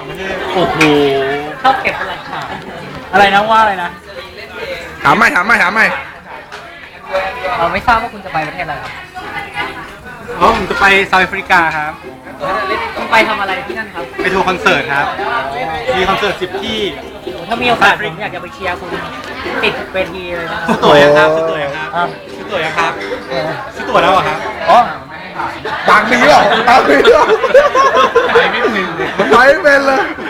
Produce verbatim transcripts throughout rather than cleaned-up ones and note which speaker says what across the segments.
Speaker 1: ประเทศ
Speaker 2: โอ้โห
Speaker 3: ชอบเก็บเป็นหลักฐาน
Speaker 1: อะไรนะว่าอะไรนะ
Speaker 2: ถามใหม่ถามใหม่ถามใหม่
Speaker 3: เราไม่ทราบว่าคุณจะไปประเทศอะไรครับ
Speaker 1: อ๋อผมจะไปเซาท์แอฟริกาครับ
Speaker 3: คุณไปทำอะไรที่นั่นครับ
Speaker 1: ไปทัวร์คอนเสิร์ตครับ มีคอนเสิร์ตสิบที่
Speaker 3: ถ้ามีโอกาสผมอยากจะไปเชียร์คุณติดเวทีเลยนะครั
Speaker 1: ซื้อบ ตั๋วยังครับซื้อตั๋วยังครับซื้อตั๋วยังครับซื้อตั๋วแล้วเหรอครับ
Speaker 2: อ๋อตังค์มีหรอตังค์มีหรอ
Speaker 1: ไปไม่เป็นเลย
Speaker 2: มันไปไม่เป็นเลย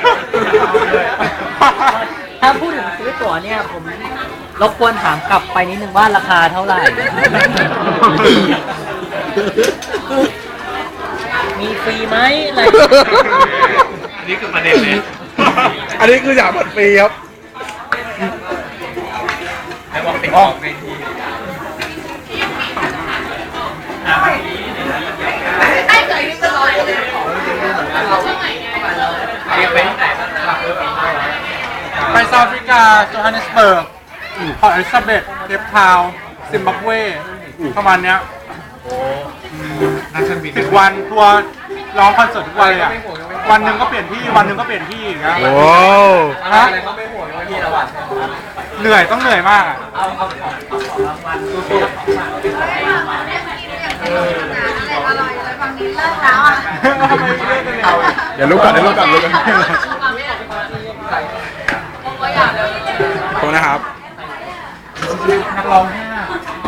Speaker 3: ถ้าพูดถึงซื้อตั๋วเนี่ยผมรบกวนถามกลับไปนิดนึงว่าราคาเท่าไหร่ มีฟรีไหมอะไร
Speaker 1: อันนี้คือประเด็นเลย
Speaker 2: อันนี้คืออยากเปิดฟรีครับ
Speaker 1: แล้วบอกติดออกในทีไปเซาท์แอฟริกาโจฮันเนสเบิร์กพอร์ตอลิซาเบธเคปทาวน์ซิมบับเวประมาณเนี้ยสิบวันทัวร์ร้องคอนเสิร์ตทุกวันเลยอ่ะ วันหนึ่งก็เปลี่ยนที่ วันหนึ่งก็เปลี่ยนที่อย่างเงี้ย
Speaker 2: โอ้
Speaker 1: ฮะเหนื่อยต้องเหนื่อยมากอะ
Speaker 4: อร่อยเลยฝั่งนี้เลิกแล้วอ่ะ
Speaker 1: ทำไมไม่เล่นกันเลย
Speaker 2: เดี๋ยวลุกก่อนเดี๋ยวลุกก่อนลุกก่อนขอบคุณนะครับ
Speaker 1: นักร้องห้า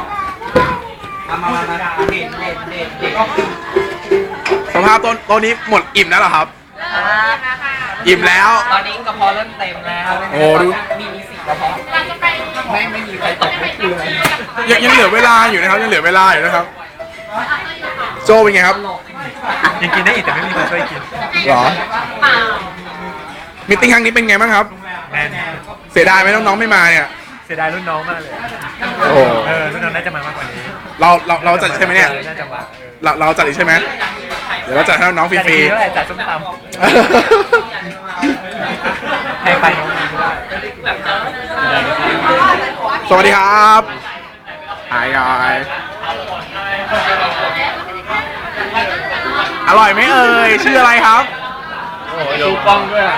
Speaker 2: สภาพต้นต้นนี้หมดอิ่มแล้วเหรอครับ อิ่มแล้ว
Speaker 3: ตอนนี้กระเพาะเริ่มเต็มแล้ว
Speaker 2: โอ้ดู
Speaker 3: มีมีสี่กระเพาะไม่ไม่มีใครตกไม่คือเลย
Speaker 2: ยังยังเหลือเวลาอยู่นะครับยังเหลือเวลาอยู่นะครับ โจเป็นไงครับ
Speaker 1: ยังกินได้อีกแต่ไม่มีคนช่วยกิน
Speaker 2: หรอมิตติ้งครั้งนี้เป็นไงบ้างครับ
Speaker 1: แน่น
Speaker 2: เสียดายไหมน้องๆไม่มาเนี่ย
Speaker 1: เสียดายรุ่นน้องมากเลย
Speaker 2: โอ้โห
Speaker 1: เออรุ่นน้องน่าจะมามากกว่านี้
Speaker 2: เราเราเราจัดใช่ไหมเนี่ย
Speaker 1: น่าจะมา
Speaker 2: เราเราจัดอีกใช่ไหมเดี๋ยวเราจัดให้น้องๆฟ
Speaker 1: จัด
Speaker 2: รี
Speaker 1: ดี
Speaker 2: ๆ
Speaker 1: เท่าไหร่จัดส้มตำให้ไปน้องมีด้วย
Speaker 2: สวัสดีครับหายยายอร่อยไหมเอ่ยชื่ออะไรครับ
Speaker 1: โอ้ยดูป้องด้วย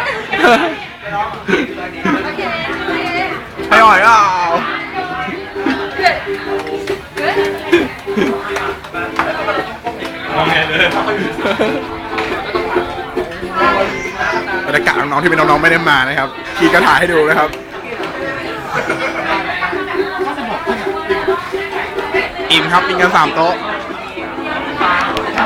Speaker 2: อร่อยอ่ะบรรยากาศน้องๆที่เป็นน้องๆไม่ได้มานะครับพี่ก็ถ่ายให้ดูนะครับอิ่มครับกินกันสามโต๊ะ